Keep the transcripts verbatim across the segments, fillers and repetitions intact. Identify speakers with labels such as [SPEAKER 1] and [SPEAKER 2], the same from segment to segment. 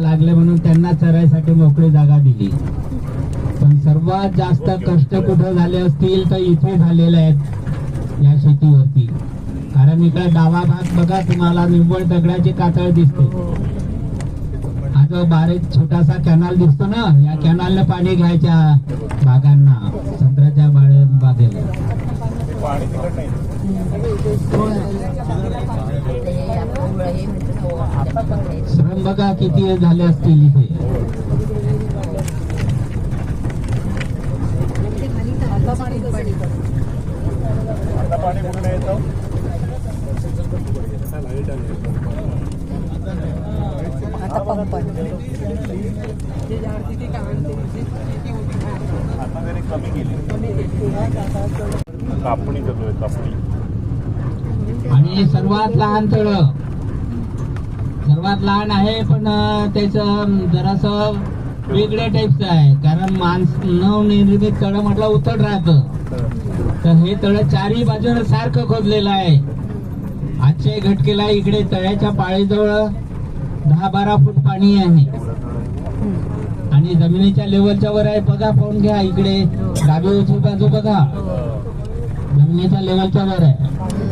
[SPEAKER 1] लागले म्हणून त्यांना चरायसाठी मोकळी जागा दिली. पण सर्वात जास्त कष्ट कुठे झाले असतील तर इथे झालेले आहेत या शेतीवरती. कारण इकडे डावा भाग बघा तुम्हाला निव्वळ दगडाची कातळ दिसते. हा जो बारीक छोटासा कॅनल दिसतो ना, या कॅनलने पाणी घ्यायच्या बागांना, संत्र्याच्या बाळे बागेला. श्रम बघा किती झाले असतील इथे. आणि सर्वात लहान तळ, सर्वात लहान आहे पण त्याच जरास वेगळ्या टाईपचं आहे. कारण मानव निर्मित तळ म्हटलं उतड राहतं, तर हे तळ चारही बाजूने सारखं खोदलेलं आहे. आजच्या घटकेला इकडे तळ्याच्या पाळीजवळ दहा बारा फूट पाणी आहे आणि जमिनीच्या लेवलच्या वर आहे. बघा पाहून घ्या, इकडे डावी उजवी बाजू बघा, जमिनीच्या लेवलच्या वर आहे.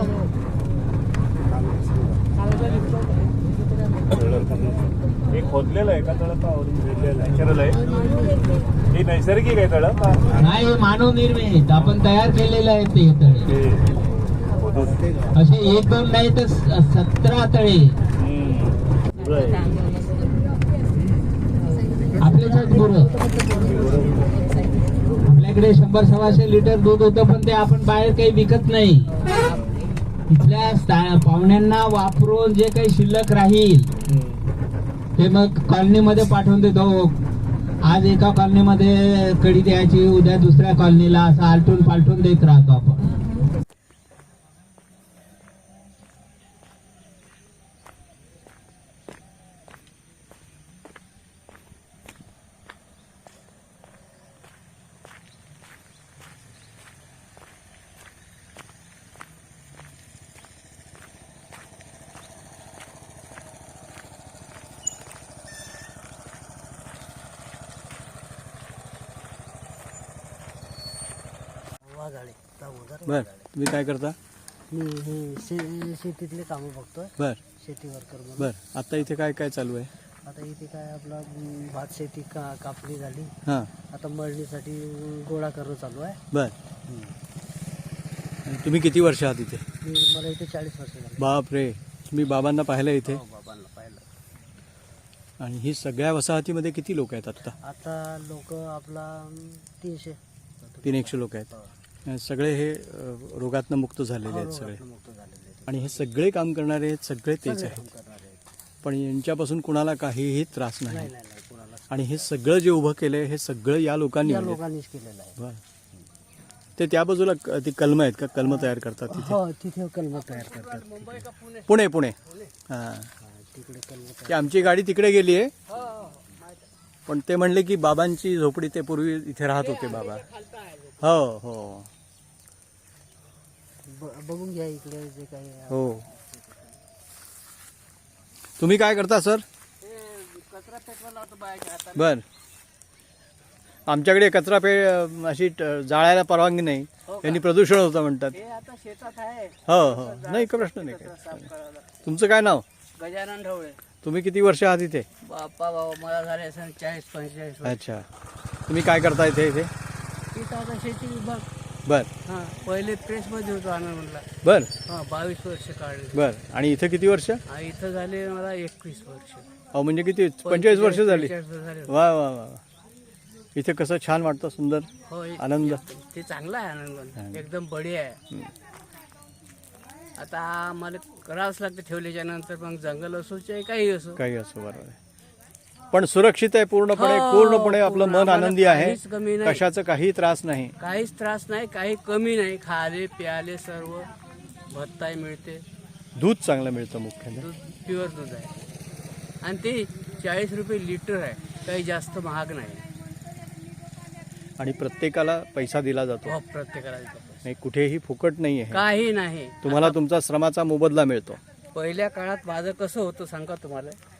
[SPEAKER 2] खोदलेलं आहे का तळ? नॅचरल आहे हे, नैसर्गिक आहे तळ?
[SPEAKER 1] नाही, मानव निर्मित आपण तयार केलेलं आहे ते तळे. असे एक दोन नाही तर सतरा तळे आपलेच गुरु. आपल्याकडे शंभर सव्वाशे लिटर दूध होतं, पण ते आपण बाहेर काही विकत नाही. इथल्या पाहुण्यांना वापरून जे काही शिल्लक राहील ते मग कॉलनीमध्ये पाठवून देतो. आज एका कॉलनीमध्ये कडी द्यायची, उद्या दुसऱ्या कॉलनीला, असं आलटून पालटून देत राहतो आपण.
[SPEAKER 3] बर, तुम्ही काय करता?
[SPEAKER 4] मी हे शे शेतीतले कामं बघतोय.
[SPEAKER 3] बर,
[SPEAKER 4] शेती वर्कर म्हणून.
[SPEAKER 3] बर. आता इथे काय काय चालू आहे?
[SPEAKER 4] आता इथे काय आपला भात शेती का कापणी झाली.
[SPEAKER 3] हां,
[SPEAKER 4] आता मळणीसाठी गोळा करणं चालू आहे.
[SPEAKER 3] बर. आणि तुम्ही किती वर्ष आहात इथे?
[SPEAKER 4] मी मला इथे चाळीस वर्ष झाली.
[SPEAKER 3] बाप रे, तुम्ही बाबांना पाहिलं इथे?
[SPEAKER 4] हो, बाबांना पाहिलं.
[SPEAKER 3] आणि ही सगळ्या वसाहतीमध्ये किती लोक आहेत आता?
[SPEAKER 4] आता लोक आपला तीनशे
[SPEAKER 3] तीन एकशे लोक आहेत. सगळे हे अ, रोगातनं मुक्त झालेले आहेत सगळे.
[SPEAKER 4] मुक्त झालेले आहेत.
[SPEAKER 3] आणि हे सगळे काम करणारे आहेत, सगळे तेच
[SPEAKER 4] सगळे
[SPEAKER 3] आहेत.
[SPEAKER 4] काम करणारे आहेत.
[SPEAKER 3] पण यांच्यापासून कुणाला काहीही त्रास
[SPEAKER 4] नाही
[SPEAKER 3] नाही.
[SPEAKER 4] नाही नाही कुणाला.
[SPEAKER 3] आणि हे सगळं जे उभं केलंय हे सगळं या लोकांनी
[SPEAKER 4] या
[SPEAKER 3] केलंय.
[SPEAKER 4] लोकांनीच केलेलं आहे.
[SPEAKER 3] बर. ते त्या बाजूला क- ती कलमं आहेत का? कलमं तयार करतात तिथे?
[SPEAKER 4] हो, तिथे कलम तयार करतात. तिथे.
[SPEAKER 3] पुणे पुणे हां,
[SPEAKER 4] हा, तिकडे कलम
[SPEAKER 3] की आमची गाडी तिकडे गेली आहे. पण ते म्हणले की बाबांची झोपडी ते पूर्वी इथे राहत होते बाबा. हो हो
[SPEAKER 4] बघून घ्या इकडे जे काही आहे.
[SPEAKER 3] हो. तुम्ही काय करता सर?
[SPEAKER 4] कचरा पेटवा लावतो बाहेरच्या हाताने.
[SPEAKER 3] बर. आमच्याकडे कचरा पे अशी ट- जाळायला परवानगी नाही, यांनी प्रदूषण होतं म्हणतात.
[SPEAKER 4] हे आता शेतात आहे.
[SPEAKER 3] हो हो, नाही का प्रश्न नाही
[SPEAKER 4] कचरा
[SPEAKER 3] काय.
[SPEAKER 4] साफ करायला.
[SPEAKER 3] तुमचं काय नाव?
[SPEAKER 4] गजानन ढवळे.
[SPEAKER 3] तुम्ही किती वर्ष आहात इथे?
[SPEAKER 4] बाप्पा बाबा मला झाले असं चाळीस पंचेचाळीस वर्ष.
[SPEAKER 3] अच्छा, तुम्ही काय करता इथे इथे?
[SPEAKER 4] तिथं आता शेती विभाग.
[SPEAKER 3] बर
[SPEAKER 4] हां, पहिले प्रेसमध्ये होतो आनंदला.
[SPEAKER 3] बर
[SPEAKER 4] हां, बावीस वर्ष काढले.
[SPEAKER 3] बर. आणि इथं किती वर्ष?
[SPEAKER 4] हा, इथं झाले मला एकवीस वर्ष.
[SPEAKER 3] अहो म्हणजे किती? पंचेचाळीस वर्ष झाली.
[SPEAKER 4] पंचेचाळीस वर्ष झाले.
[SPEAKER 3] वा वा वा. इथे कसं छान वाटतं, सुंदर
[SPEAKER 4] हो, हे-
[SPEAKER 3] आनंद.
[SPEAKER 4] ते चांगलं आहे आनंद, एकदम बढिया आहे. आता आम्हाला करावंच लागतं ठेवल्याच्या नंतर, मग जंगल असो चाहे काही असो.
[SPEAKER 3] काही असो, बरोबर आहे. पण सुरक्षित आहे पूर्णपणे.
[SPEAKER 4] हो,
[SPEAKER 3] पूर्णपणे आपलं
[SPEAKER 4] पूर्ण.
[SPEAKER 3] मन
[SPEAKER 4] आम्हाला
[SPEAKER 3] आनंदी आहे.
[SPEAKER 4] काहीच कमी नाही.
[SPEAKER 3] कशाचं काही त्रास नाही.
[SPEAKER 4] काहीच त्रास नाही, काही कमी नाही. खाले प्याले सर्व भत्ताही मिळते.
[SPEAKER 3] दूध चांगलं मिळतं मुख्याने.
[SPEAKER 4] दूध प्युअर दूध आहे आणि ते चाळीस रुपये लिटर आहे, काही जास्त महाग नाही.
[SPEAKER 3] आणि प्रत्येकाला पैसा दिला जातो.
[SPEAKER 4] हो, प्रत्येकाला देतो.
[SPEAKER 3] नाही, कुठेही फुकट नाही आहे.
[SPEAKER 4] काही नाही.
[SPEAKER 3] तुम्हाला तुमचा श्रमाचा मोबदला मिळतो.
[SPEAKER 4] पहिल्या काळात माझं कसं होतं सांगा तुम्हाला.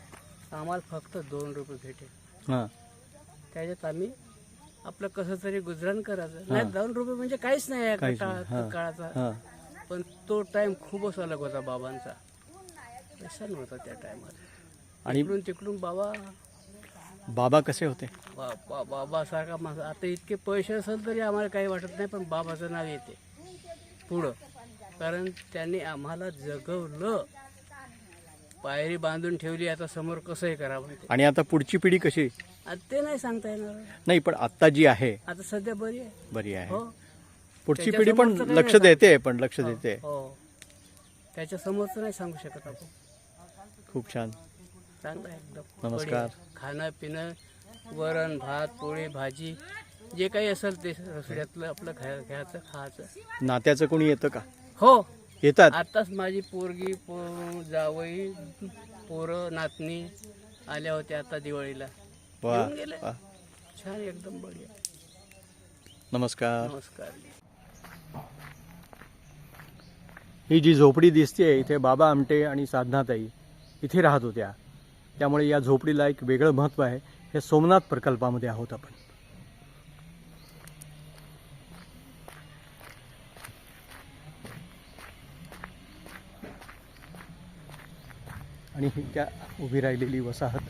[SPEAKER 4] आम्हाला फक्त दोन रुपये भेटेल.
[SPEAKER 3] हां
[SPEAKER 4] त्याच्यात आम्ही आपलं कसं तरी गुजराण करायचं. नाही दोन रुपये म्हणजे काहीच नाही आहे
[SPEAKER 3] काहीच
[SPEAKER 4] काळा-
[SPEAKER 3] नाही. हां.
[SPEAKER 4] काळाचा.
[SPEAKER 3] हां
[SPEAKER 4] पण तो टाइम खूपच अलग होता बाबांचा. व्यसन होता त्या टायमात.
[SPEAKER 3] आणि
[SPEAKER 4] इकडून तिकडून बाबा
[SPEAKER 3] बाबा कसे होते?
[SPEAKER 4] बा- बा- बाबासारखा माणूस. आता इतके पैसे असेल तरी आम्हाला काही वाटत नाही, पण बाबाचं नाव येते पुढं. कारण त्यांनी आम्हाला जगवलं, पायरी बांधून ठेवली. आता समोर कसंही करावं ते.
[SPEAKER 3] आणि आता पुढची पिढी कशी?
[SPEAKER 4] आता ते नाही सांगता येणार.
[SPEAKER 3] नाही पण आता जी आहे
[SPEAKER 4] आता सध्या बरी आहे.
[SPEAKER 3] बरी आहे.
[SPEAKER 4] हो
[SPEAKER 3] पुढची पिढी पण
[SPEAKER 4] त्याच्यासमोरचं
[SPEAKER 3] लक्ष
[SPEAKER 4] नाही
[SPEAKER 3] देते, पण लक्ष देते.
[SPEAKER 4] हो त्याच्या समोरचं नाही सांगू शकत आपण.
[SPEAKER 3] खूप छान.
[SPEAKER 4] चांगलं आहे एकदम.
[SPEAKER 3] नमस्कार.
[SPEAKER 4] बढिया. खाणं पिणं, वरण भात पोळी भाजी जे काही असेल ते रसोड्यातलं आपलं खाय घ्यायचं खायचं.
[SPEAKER 3] नात्याचं कोणी येतं का?
[SPEAKER 4] हो
[SPEAKER 3] येतात.
[SPEAKER 4] आताच माझी पोरगी पो जावई पोरं नातनी आल्या होत्या आता दिवाळीला.
[SPEAKER 3] वा
[SPEAKER 4] येऊन गेले.
[SPEAKER 3] वा.
[SPEAKER 4] छान एकदम बढिया.
[SPEAKER 3] नमस्कार.
[SPEAKER 4] नमस्कार.
[SPEAKER 3] ही जी झोपडी दिसते इथे बाबा आमटे आणि साधनाताई इथे राहत होत्या. त्यामुळे या झोपडीला एक वेगळं महत्त्व आहे. हे सोमनाथ प्रकल्पामध्ये आहोत आपण. आणि ही त्या उभी राहिलेली वसाहत,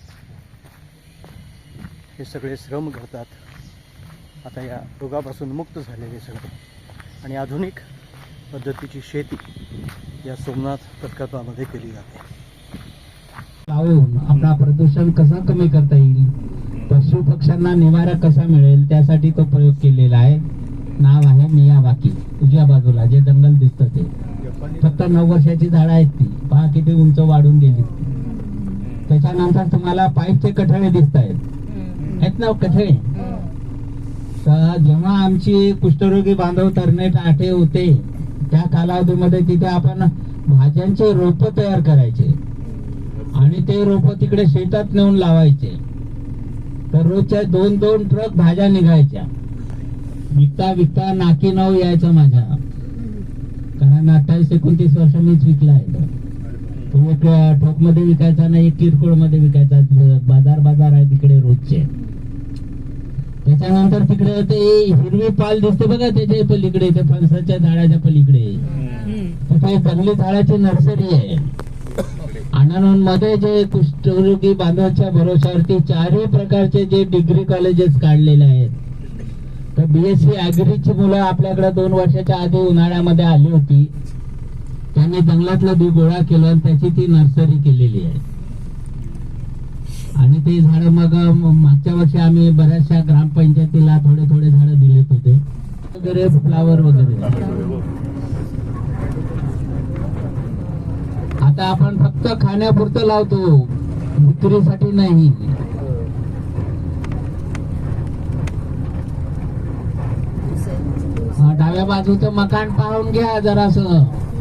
[SPEAKER 3] हे सगळे श्रम करतात. आता या रोगापासून मुक्त झालेले सगळे आणि आधुनिक पद्धतीची शेती या सोमनाथ प्रकल्पामध्ये केली जाते.
[SPEAKER 1] लावून आपला प्रदूषण कसा कमी करता येईल, पशु पक्ष्यांना निवारा कसा मिळेल, त्यासाठी तो प्रयोग केलेला आहे. नाव आहे मियावाकी. उजव्या बाजूला जे जंगल दिसतं ते फक्त नऊ वर्षाची झाडं आहेत. ती पहा किती उंच वाढून गेली. त्याच्यानंतर तुम्हाला पाईपचे कठळे दिसत आहेत आहेत ना कठळे. तर जेव्हा आमची कुष्ठरोगी बांधव तरणे टाटे होते त्या कालावधीमध्ये तिथे आपण भाज्यांचे रोप तयार करायचे आणि ते रोप तिकडे शेतात नेऊन लावायचे. तर रोजच्या दोन दोन ट्रक भाज्या निघायच्या. विकता विकता नाकी नाव यायचं माझ्या. कारण अठ्ठावीस एकोणतीस वर्ष मीच विकला आहे. तो एक ठोक मध्ये विकायचा नाही, एक किरकोळ मध्ये विकायचा. बाजार बाजार आहे तिकडे रोजचे. त्याच्यानंतर तिकडे ते हिरवी पाल दिसते बघा त्याच्या पलीकडे, ते फणसाच्या झाडाच्या पलीकडे तिथे जंगली झाडाची नर्सरी आहे. आनंद मध्ये जे कुष्ठरोगी बांधवाच्या भरोशावरती चारही प्रकारचे जे डिग्री कॉलेजेस काढलेले आहेत. तर बीएससी ऍग्रीची मुलं आपल्याकडे दोन वर्षाच्या आधी उन्हाळ्यामध्ये आली होती. त्यांनी जंगलातलं बी गोळा केलं आणि त्याची ती नर्सरी केलेली आहे. आणि ते झाड मग मागच्या वर्षी आम्ही बऱ्याचशा ग्रामपंचायतीला थोडे थोडे झाड दिले होते वगैरे, फ्लावर वगैरे. आता आपण फक्त खाण्यापुरतं लावतो, विक्रीसाठी नाही. डाव्या बाजूचं मकान पाहून घ्या जरासं.